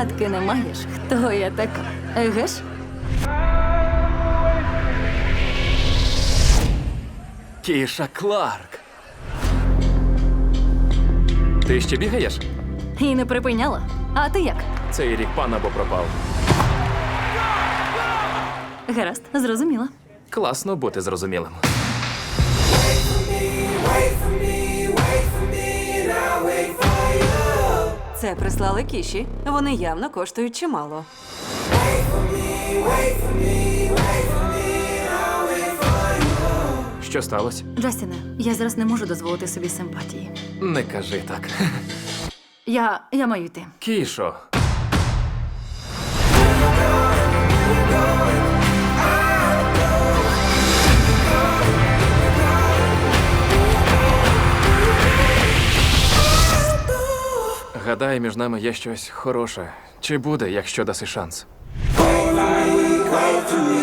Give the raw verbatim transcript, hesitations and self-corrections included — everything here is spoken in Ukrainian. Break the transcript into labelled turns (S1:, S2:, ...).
S1: гадки не маєш, хто я така. Еге ж?
S2: Кіша Кларк. Ти ще бігаєш?
S1: І не припиняла. А ти як?
S2: Цей рік пан або пропав.
S1: Гаразд, зрозуміла.
S2: Класно бути зрозумілим.
S3: Це прислали Кіші. Вони явно коштують чимало.
S2: Що сталося?
S1: Джастіне, я зараз не можу дозволити собі симпатії.
S2: Не кажи так.
S1: Я. я маю йти.
S2: Кішо. Гадаю, між нами є щось хороше. Чи буде, якщо даси шанс?
S4: Wait for me, wait for me.